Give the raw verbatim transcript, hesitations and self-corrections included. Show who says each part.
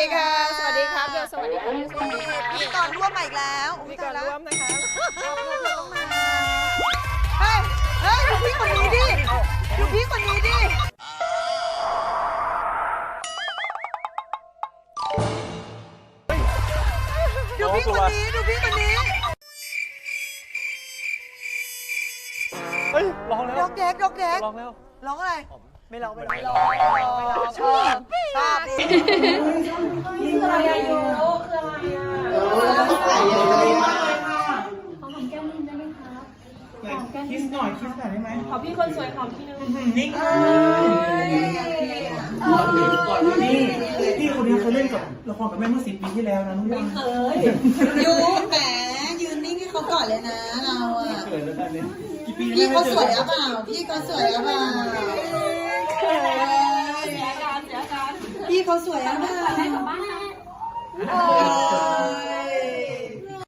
Speaker 1: ค่ะสวัสดีครับเบลสวัสดีค่ะสวัสดีค่ะ
Speaker 2: พิธีกรร่วมมาอีกแล้วอุ๊
Speaker 1: มี
Speaker 2: ย
Speaker 1: ก่อ
Speaker 2: ตาน ยแล้ว
Speaker 1: ร่วมนะคะ
Speaker 2: ต้องมาเฮ้ยเฮ้ยดูพี่คนนี้ดิดูพี่คนนี้ดิดูพี่คนนี้ดูพี่คนนี้
Speaker 3: เฮ้ยร้องแล้ว
Speaker 2: ดอกแดกดอกแดก
Speaker 3: ร้องแล้ว
Speaker 2: ร้องอะไร ไม่ร้องไม่ร้องไม่ร้องไม่ร้องไม่ร้องชอบชอบดิ
Speaker 4: คืออะไรอะโยคืออะไรอะขอหอมแก้มนิดได้ไหมคะหอมแก้ม
Speaker 5: คิสหน่อยคิสหน่อยได้ไหม
Speaker 4: ขอพี่คนสวยหอมทีนึง
Speaker 5: นี่นี่พี่คนนี้เคยเล่นกับละครกับแม่เมื่อสิบปีที่แล้วนะน้องยัง
Speaker 2: ยูแหมยืนนิ่งให้เขาก่อนเลยนะเราอะ
Speaker 5: เกิดแล้วท่านนี้กี่ปี
Speaker 2: พี่เขาสวยหรือเปล่าพี่เขาสวยหรือเปล่า
Speaker 4: เสียการเสียการ
Speaker 2: พี่เขาสวยหรือเปล่า
Speaker 4: ได้กลับบ้านนะ
Speaker 2: โอ้